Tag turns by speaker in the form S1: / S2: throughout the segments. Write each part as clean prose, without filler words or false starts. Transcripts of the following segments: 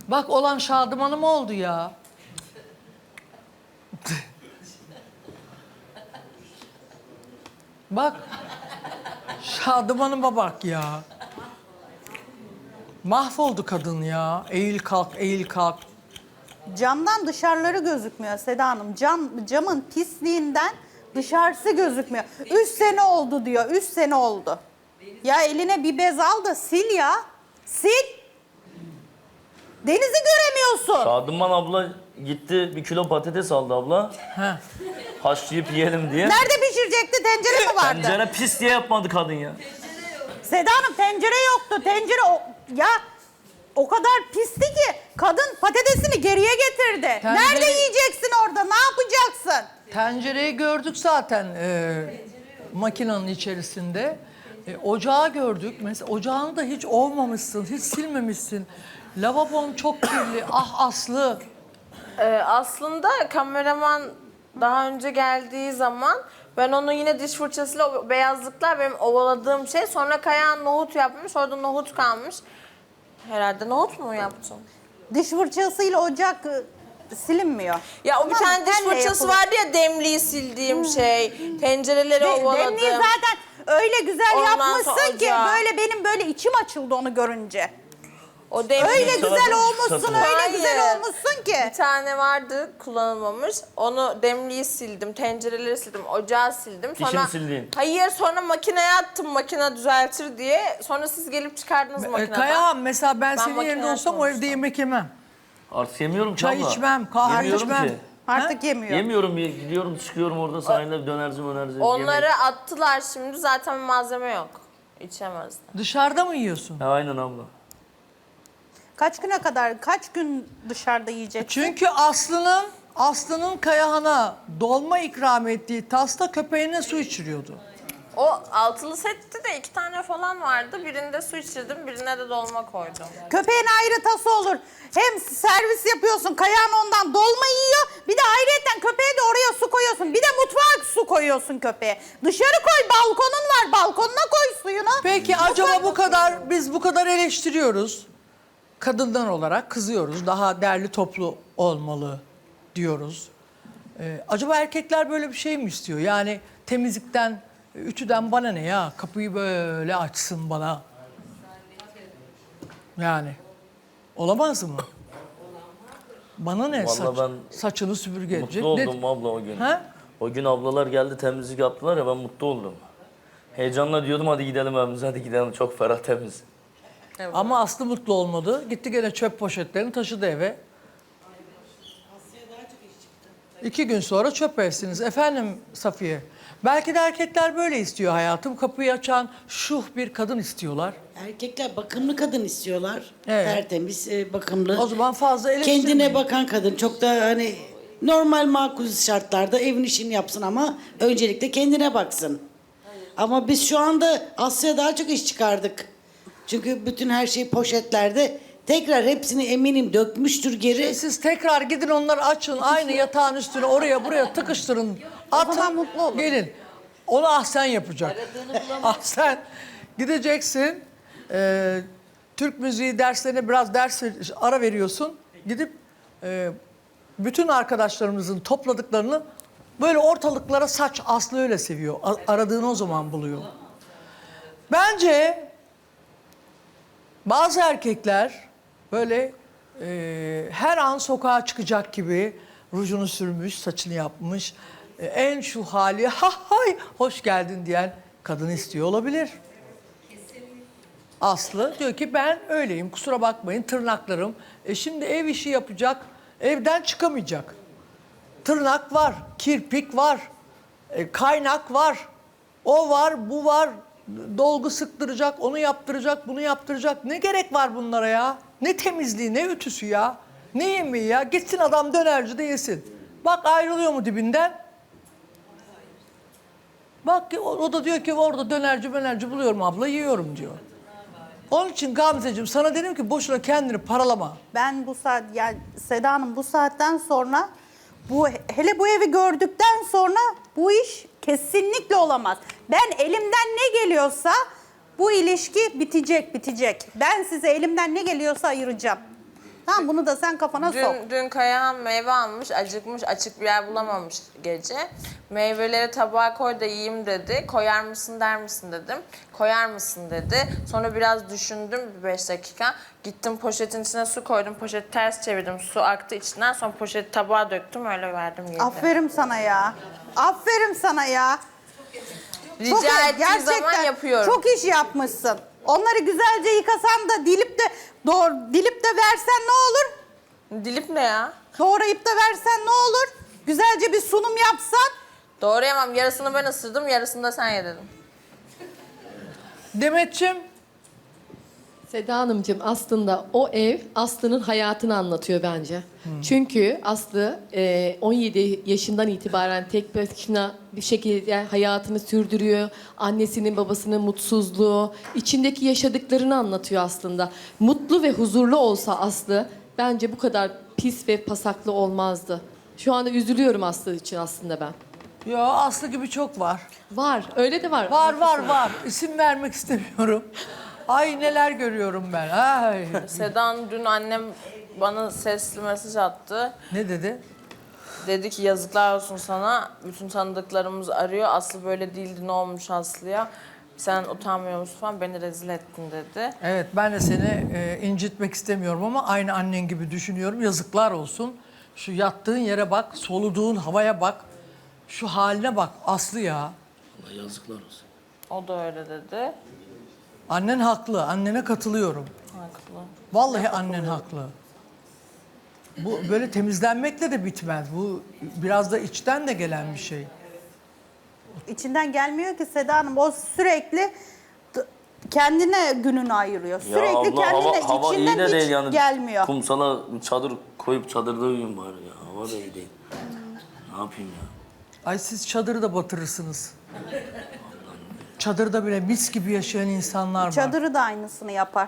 S1: Bak olan Şadıman'ım oldu ya. Bak. Şadıman'ıma bak ya. Mahvoldu kadın ya. Eğil kalk, eğil kalk.
S2: Camdan dışarıları gözükmüyor Seda Hanım. Camın pisliğinden dışarısı gözükmüyor. 3 sene oldu diyor. 3 sene oldu. Ya eline bir bez al da sil ya. Sil. Denizi göremiyorsun.
S3: Şadıman abla gitti 1 kilo patates aldı abla.
S1: Heh.
S3: Haşlayıp yiyelim diye.
S2: Nerede pişirecekti? Tencere mi vardı?
S3: Tencere pis diye yapmadı kadın ya.
S2: Seda Hanım tencere yoktu. Ya o kadar pisti ki kadın patatesini geriye getirdi. Nerede yiyeceksin orada? Ne yapacaksın?
S1: Tencereyi gördük zaten makinenin içerisinde. Ocağı gördük. Mesela ocağını da hiç ovmamışsın, hiç silmemişsin. Lavabon çok kirli. Ah Aslı.
S4: Aslında kameraman daha önce geldiği zaman ben onu yine diş fırçasıyla o beyazlıklar benim ovaladığım şey. Sonra Kayahan nohut yapmış. Orada nohut kalmış. Herhalde nohut mu yaptın?
S2: Diş fırçasıyla ocak silinmiyor.
S4: Ya o bir
S2: Tamam,
S4: tane diş
S2: telle
S4: fırçası
S2: yapılır.
S4: vardı ya demliği sildiğim şey. Tencereleri ovaladım.
S2: Demliği zaten öyle güzel
S4: Ondan
S2: yapmışsın
S4: sonra
S2: ki
S4: ocağı.
S2: böyle benim böyle içim açıldı onu görünce.
S4: O demliği...
S2: Öyle
S3: Sana
S2: güzel
S3: da
S2: olmuşsun,
S3: satın.
S2: öyle
S4: Hayır.
S2: güzel olmuşsun ki.
S4: Bir tane vardı kullanılmamış. Onu demliği sildim, tencereleri sildim, ocağı sildim.
S3: Dişini sildin.
S4: Hayır, sonra makineye attım makine düzeltir diye. Sonra siz gelip çıkardınız makineden.
S1: Kayahan mesela ben senin
S4: makineye
S1: yerinde olsam o evde
S4: koymuştum.
S1: yemek yemem.
S3: Artık yemiyorum ki
S1: Çay
S3: abla.
S1: içmem, kahve
S3: Yemiyorum
S1: içmem.
S3: ki.
S2: Artık yemiyor.
S3: Yemiyorum, gidiyorum çıkıyorum orada sahilde dönerci mönerci.
S4: Onları
S3: yemek.
S4: attılar şimdi, zaten malzeme yok. İçemezdim.
S1: Dışarıda mı yiyorsun?
S3: Ha, aynen abla.
S2: Kaç gün dışarıda yiyeceksin?
S1: Çünkü Aslı'nın Kayahan'a dolma ikram ettiği tasta köpeğine su içiriyordu.
S4: O altılı sette de 2 tane falan vardı. Birinde su içirdim, birine de dolma koydum.
S2: Köpeğin ayrı tası olur. Hem servis yapıyorsun, Kayahan ondan dolma yiyor. Bir de ayrıyeten köpeğe de oraya su koyuyorsun. Bir de mutfağa su koyuyorsun köpeğe. Dışarı koy, balkonun var. Balkonuna koy suyunu.
S1: Peki acaba biz bu kadar eleştiriyoruz. Kadınlar olarak kızıyoruz. Daha derli toplu olmalı diyoruz. Acaba erkekler böyle bir şey mi istiyor? Yani temizlikten, ütüden bana ne ya? Kapıyı böyle açsın bana. Yani olamaz mı? Bana ne
S3: Vallahi
S1: saçını süpürge edecek.
S3: Mutlu oldum abla o gün.
S1: Ha?
S3: O gün ablalar geldi temizlik yaptılar ya, ben mutlu oldum. Heyecanla diyordum hadi gidelim evimize, hadi gidelim, çok ferah temiz.
S1: Ama Aslı mutlu olmadı. Gitti gene çöp poşetlerini taşıdı eve. 2 gün sonra çöp evsiniz. Efendim Safiye, belki de erkekler böyle istiyor hayatım. Kapıyı açan şuh bir kadın istiyorlar.
S5: Erkekler bakımlı kadın istiyorlar.
S1: Evet.
S5: Tertemiz, bakımlı.
S1: O zaman fazla eleştirmeyin.
S5: Kendine bakan kadın. Çok da hani normal makul şartlarda evin işini yapsın ama öncelikle kendine baksın. Ama biz şu anda Asya'ya daha çok iş çıkardık. Çünkü bütün her şey poşetlerde. Tekrar hepsini eminim dökmüştür geri.
S1: Siz tekrar gidin onları açın. Aynı yatağın üstüne oraya buraya tıkıştırın. Atın,
S2: zaman mutlu olur.
S1: gelin. Onu Ahsen yapacak. Ahsen gideceksin. Türk müziği derslerine biraz ara veriyorsun. Gidip bütün arkadaşlarımızın topladıklarını böyle ortalıklara saç. Aslı öyle seviyor. Aradığını o zaman buluyor. Bence bazı erkekler böyle her an sokağa çıkacak gibi rujunu sürmüş, saçını yapmış, en şu hali ha hay hoş geldin diyen kadını istiyor olabilir. Aslı diyor ki ben öyleyim, kusura bakmayın, tırnaklarım. Şimdi ev işi yapacak, evden çıkamayacak. Tırnak var, kirpik var, kaynak var, o var, bu var. Dolgu sıktıracak, onu yaptıracak, bunu yaptıracak. Ne gerek var bunlara ya? Ne temizliği, ne ütüsü ya? Ne yemeği ya? Gitsin adam dönercide yesin. Bak ayrılıyor mu dibinden? Bak o da diyor ki orada dönerci buluyorum abla, yiyorum diyor. Onun için Gamzeciğim sana dedim ki boşuna kendini paralama.
S2: Ben bu saat, yani Seda Hanım bu saatten sonra, hele bu evi gördükten sonra bu iş kesinlikle olamaz. Ben elimden ne geliyorsa bu ilişki bitecek. Ben size elimden ne geliyorsa ayıracağım. Tamam, bunu da sen kafana sok.
S4: Dün Kayahan meyve almış, acıkmış, açık bir yer bulamamış gece. Meyveleri tabağa koy da yiyeyim dedi. Koyar mısın der misin dedim. Koyar mısın dedi. Sonra biraz düşündüm bir 5 dakika. Gittim poşetin içine su koydum. Poşeti ters çevirdim. Su aktı içinden. Sonra poşeti tabağa döktüm. Öyle verdim yedi.
S2: Aferin sana ya. Aferin sana ya.
S4: Rica ettiği zaman yapıyorum.
S2: Çok iş yapmışsın. Onları güzelce yıkasan da dilip de versen ne olur?
S4: Dilip ne ya?
S2: Doğrayıp da versen ne olur? Güzelce bir sunum yapsan.
S4: Doğrayamam. Yarısını ben ısırdım, yarısını da sen ye dedim.
S1: Demetciğim,
S6: Seda Hanımcığım, aslında o ev Aslı'nın hayatını anlatıyor bence. Çünkü Aslı 17 yaşından itibaren tek başına bir şekilde hayatını sürdürüyor. Annesinin babasının mutsuzluğu, içindeki yaşadıklarını anlatıyor aslında. Mutlu ve huzurlu olsa Aslı bence bu kadar pis ve pasaklı olmazdı. Şu anda üzülüyorum Aslı için aslında ben.
S1: ya Aslı gibi çok var.
S6: Var, öyle de var.
S1: Var. İsim vermek istemiyorum. Ay neler görüyorum ben. Ay.
S4: Sedan dün annem bana sesli mesaj attı.
S1: Ne dedi?
S4: Dedi ki yazıklar olsun sana. Bütün tanıdıklarımız arıyor. Aslı böyle değildi. Ne olmuş Aslı'ya? Sen utanmıyor musun falan. Beni rezil ettin dedi.
S1: Evet, ben de seni incitmek istemiyorum ama aynı annen gibi düşünüyorum. Yazıklar olsun. Şu yattığın yere bak, soluduğun havaya bak. Şu haline bak Aslı ya.
S3: Allah yazıklar olsun.
S4: O da öyle dedi.
S1: Annen haklı, annene katılıyorum.
S4: Haklı.
S1: Vallahi annen haklı. Bu böyle temizlenmekle de bitmez. Bu biraz da içten de gelen bir şey.
S2: İçinden gelmiyor ki Seda Hanım. O sürekli kendine gününü ayırıyor. Sürekli
S3: abla,
S2: kendine
S3: hava iyi
S2: içinden
S3: de
S2: hiç
S3: değil yani.
S2: gelmiyor.
S3: Kumsala çadır koyup çadırda uyuyun bari ya. Hava da iyi değil. Ne yapayım ya?
S1: Ay siz çadırı da batırırsınız. Çadırda bile mis gibi yaşayan insanlar var.
S2: Çadırı da aynısını yapar.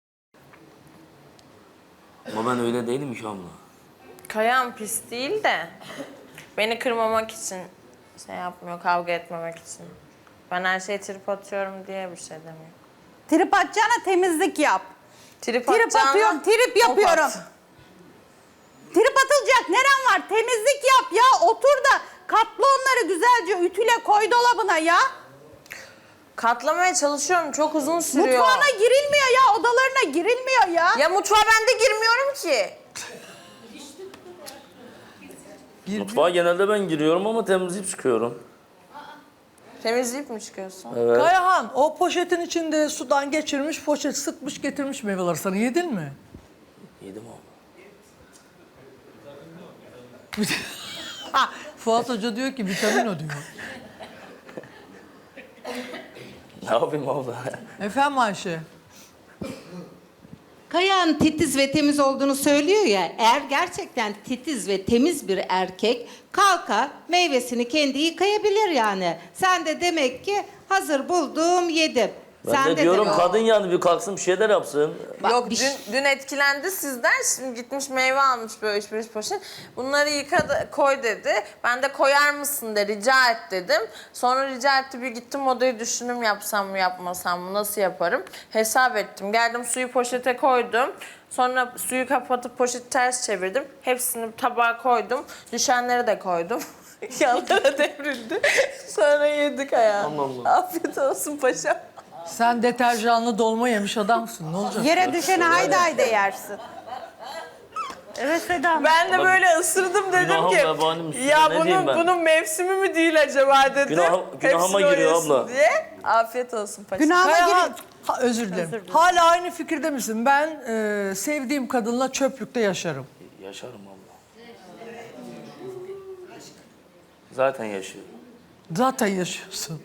S3: Ama ben öyle değilim ki abla.
S4: Kayan pis değil de beni kırmamak için şey yapmıyor, kavga etmemek için. Ben her şeye trip atıyorum diye bir şey demiyor.
S2: Trip atacağına temizlik yap.
S4: Trip
S2: Trip atıyorum, trip yapıyorum.
S4: At.
S2: Trip atılacak neren var? Temizlik yap ya. Otur da katla onları güzelce ütüle koy dolabına ya.
S4: Katlamaya çalışıyorum, çok uzun sürüyor.
S2: Mutfağına girilmiyor ya. Odalarına girilmiyor ya.
S4: Ya mutfağa ben de girmiyorum ki.
S3: Mutfağa genelde ben giriyorum ama temizleyip çıkıyorum.
S4: Temizleyip mi çıkıyorsun?
S3: Evet.
S1: Kayahan o poşetin içinde sudan geçirmiş, poşet sıkmış getirmiş meyveleri sana. Yedin mi?
S3: Yedim abla.
S1: Fuat Hoca diyor ki vitamin o diyor.
S3: Ne yapayım abla?
S1: Efendim Ayşe?
S7: Kayahan titiz ve temiz olduğunu söylüyor ya, eğer gerçekten titiz ve temiz bir erkek kalkar meyvesini kendi yıkayabilir yani. Sen de demek ki hazır buldum yedim.
S3: Ben
S7: Sen
S3: de diyorum
S7: demek-
S3: kadın yani bir kalksın bir şeyler yapsın.
S7: Bak,
S4: Yok
S7: bir şey-
S4: dün etkilendi sizden. Şimdi gitmiş meyve almış böyle 3-5 poşet. Bunları yıka koy dedi. Ben de koyar mısın de rica et dedim. Sonra rica etti bir gittim odayı düşündüm yapsam mı yapmasam mı nasıl yaparım. Hesap ettim. Geldim suyu poşete koydum. Sonra suyu kapatıp poşeti ters çevirdim. Hepsini tabağa koydum. Düşenleri de koydum. Yanlara devrildi. Sonra yedik ayağım.
S3: Allah Allah.
S4: Afiyet olsun paşam.
S1: Sen deterjanlı dolma yemiş adamsın. Ne olacak?
S2: Yere düşeni haydi haydi yersin. Evet Seda Hanım.
S4: Ben de böyle ısırdım dedim
S3: Günahım
S4: ki
S3: vebalim üstüne,
S4: ya
S3: ne diyeyim ben?"
S4: bunun mevsimi mi değil acaba dedim.
S3: Günahıma
S4: Hepsini
S3: giriyor
S4: oynuyorsun
S3: abla.
S4: Diye. Afiyet olsun paşam.
S2: Günahıma
S1: Kayahan,
S2: girin.
S1: özür dilerim. Hala aynı fikirde misin? Ben sevdiğim kadınla çöplükte yaşarım.
S3: Yaşarım abla. Zaten yaşıyorum.
S1: Zaten yaşıyorsun.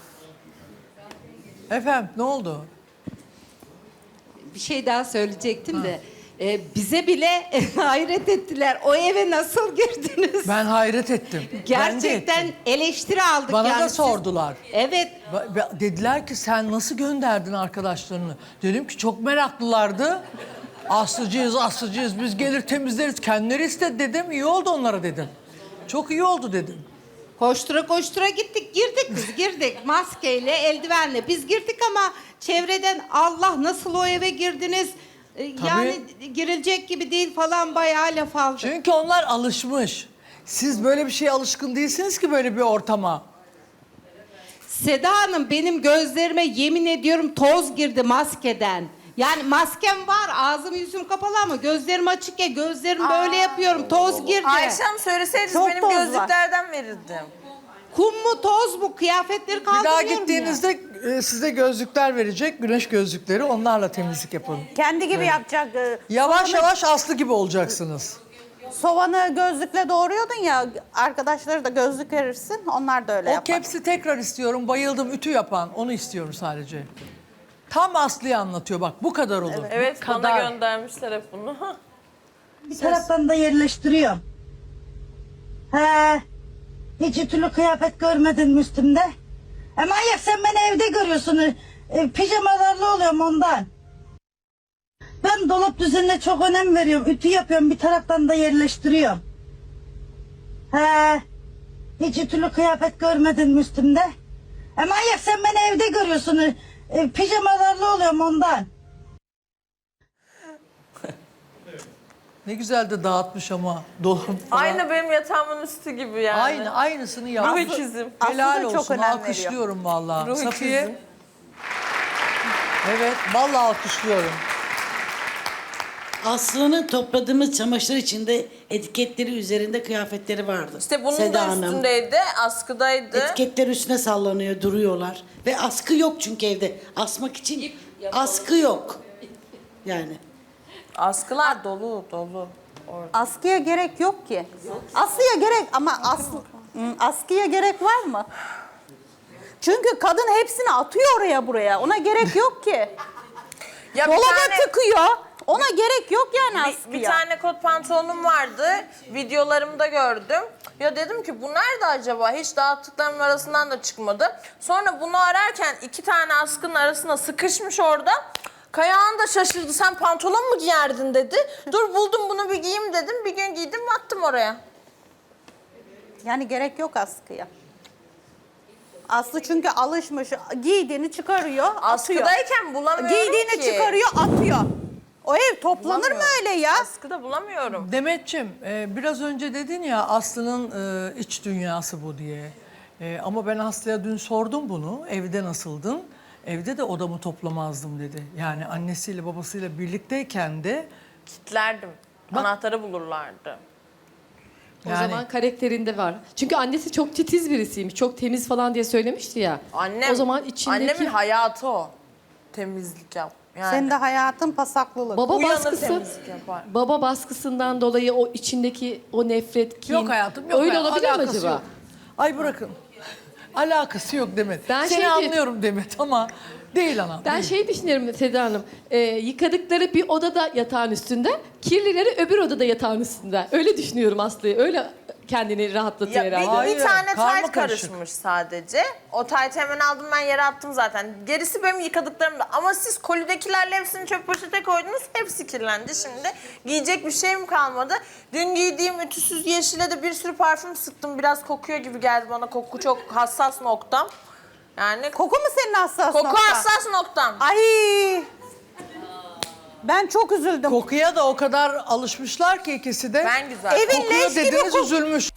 S1: Efendim ne oldu?
S7: Bir şey daha söyleyecektim de. Bize bile hayret ettiler. O eve nasıl girdiniz?
S1: Ben hayret ettim. Ben de
S7: Gerçekten
S1: ettim.
S7: eleştiri aldık
S1: Bana
S7: yani.
S1: da
S7: Siz-
S1: sordular.
S7: Evet.
S1: Dediler ki sen nasıl gönderdin arkadaşlarını? Dedim ki çok meraklılardı. Aslıcıyız biz gelir temizleriz. Kendileri istedi dedim. İyi oldu onlara dedim. Çok iyi oldu dedim.
S7: Koştura koştura gittik, girdik biz, girdik. Maskeyle, eldivenle biz girdik ama çevreden Allah nasıl o eve girdiniz? Yani girilecek gibi değil falan bayağı laf aldı.
S1: Çünkü onlar alışmış. Siz böyle bir şeye alışkın değilsiniz ki böyle bir ortama.
S7: Seda Hanım benim gözlerime yemin ediyorum toz girdi maskeden. Yani maskem var, ağzım yüzüm kapalı ama gözlerim açık ya, gözlerim böyle yapıyorum, toz girdi.
S4: Ayşe Hanım söyleseydiniz
S2: Çok
S4: benim
S2: toz var.
S4: gözlüklerden verirdim.
S7: Kum mu toz mu, kıyafetleri
S1: Bir
S7: kaldırıyorum
S1: daha
S7: ya.
S1: gittiğinizde size gözlükler verecek, güneş gözlükleri. Onlarla temizlik yapın.
S2: Kendi gibi yapacak.
S1: Yavaş yavaş Aslı gibi olacaksınız.
S2: Soğanı gözlükle doğruyordun ya, arkadaşları da gözlük verirsin, onlar da öyle
S1: O
S2: yapar.
S1: kepsi tekrar istiyorum. Bayıldım, ütü yapan. Onu istiyorum sadece. Tam Aslı'yı anlatıyor bak, bu kadar olur.
S4: Evet
S1: Bu
S4: bana
S1: kadar.
S4: göndermişler hep bunu.
S8: Bir taraftan da yerleştiriyorum. He, hiç ütülü kıyafet görmedin mi üstümde? Manyak sen beni evde görüyorsun. Pijamalarla oluyorum ondan. Ben dolap düzenine çok önem veriyorum. Ütü yapıyorum, bir taraftan da yerleştiriyorum. He, hiç ütülü kıyafet görmedin mi üstümde? Manyak sen beni evde görüyorsun. Pijamalarla oluyorum ondan.
S1: Ne güzel de dağıtmış ama dolap falan.
S4: Aynı benim yatağımın üstü gibi yani.
S1: Aynısını yapmış.
S4: Ruh ikizim.
S1: Helal
S2: Aslı da çok
S1: olsun.
S2: önem veriyor.
S1: Alkışlıyorum vallahi.
S4: Ruh
S1: Safiye.
S4: ikizim.
S1: Evet, vallahi alkışlıyorum.
S5: Aslı'nın topladığımız çamaşır içinde etiketleri üzerinde kıyafetleri vardı.
S4: İşte bunun
S5: Seda
S4: da
S5: Hanım.
S4: üstündeydi, askıdaydı.
S5: Etiketler üstüne sallanıyor, duruyorlar. Ve askı yok çünkü evde. Asmak için askı yok. Yani.
S4: Askılar dolu dolu.
S2: Askıya gerek yok ki. Askıya gerek ama askıya gerek var mı? Çünkü kadın hepsini atıyor oraya buraya. Ona gerek yok ki.
S4: Ya
S2: Dolaba tıkıyor. Ona gerek yok yani askıya.
S4: bir tane kot pantolonum vardı. Videolarımda gördüm. Ya dedim ki bu nerede acaba? Hiç dağıttıklarımın arasından da çıkmadı. Sonra bunu ararken 2 tane askının arasına sıkışmış orada. Kayağın da şaşırdı. Sen pantolon mu giyerdin dedi. Dur buldum bunu bir giyeyim dedim. Bir gün giydim attım oraya.
S2: Yani gerek yok askıya. Aslı çünkü alışmış. Giydiğini çıkarıyor, atıyor.
S4: Askıdayken bulamıyorum
S2: Giydiğini
S4: ki.
S2: çıkarıyor, atıyor. O ev toplanır mı
S4: Bulamıyorum.
S2: öyle ya?
S4: Askıda bulamıyorum.
S1: Demetciğim, biraz önce dedin ya Aslı'nın iç dünyası bu diye. Ama ben Aslı'ya dün sordum bunu. Evde nasıldın? Evde de odamı toplamazdım dedi. Yani annesiyle babasıyla birlikteyken de
S4: Kitlerdim. Anahtarı bulurlardı.
S6: O
S1: Yani-
S6: zaman karakterinde var. Çünkü annesi çok titiz birisiymiş. Çok temiz falan diye söylemişti ya.
S4: Annem,
S6: O zaman içindeki
S4: annemin hayatı o. Temizlik yap. Yani
S2: Senin de hayatın pasaklılık.
S6: baba
S4: uyanır
S6: baskısı,
S4: temizlik yapar.
S6: baba baskısından dolayı o içindeki o nefret, kin.
S1: yok hayatım yok.
S6: Öyle
S1: hayatım,
S6: olabilir mi
S1: alakası
S6: acaba?
S1: yok. Ay bırakın. Alakası yok Demet.
S6: Ben
S1: Seni
S6: şey
S1: anlıyorum Demet ama değil anam.
S6: Ben
S1: değil.
S6: şey düşünüyorum Seda Hanım. Yıkadıkları bir odada yatağın üstünde, kirlileri öbür odada yatağın üstünde. Öyle düşünüyorum Aslı'yı. Öyle kendini rahatlatıyor
S4: Ya
S6: herhalde.
S1: Hayır,
S4: bir tane
S1: karma
S4: tayt
S1: karışık.
S4: karışmış sadece. O taytı hemen aldım ben yere attım zaten. Gerisi benim yıkadıklarımda. Ama siz kolidekilerle hepsini çöp poşete koydunuz. Hepsi kirlendi şimdi. Giyecek bir şeyim kalmadı. Dün giydiğim ütüsüz yeşile de bir sürü parfüm sıktım. Biraz kokuyor gibi geldi bana. Koku çok hassas noktam. Yani
S2: Koku mu senin hassas
S4: koku
S2: noktan?
S4: hassas noktam.
S2: Ay. Ben çok üzüldüm.
S1: Kokuya da o kadar alışmışlar ki ikisi de.
S4: Ben güzel.
S2: Evin
S1: Kokuyor
S2: leş gibi
S1: dediniz
S2: kok-
S1: üzülmüş.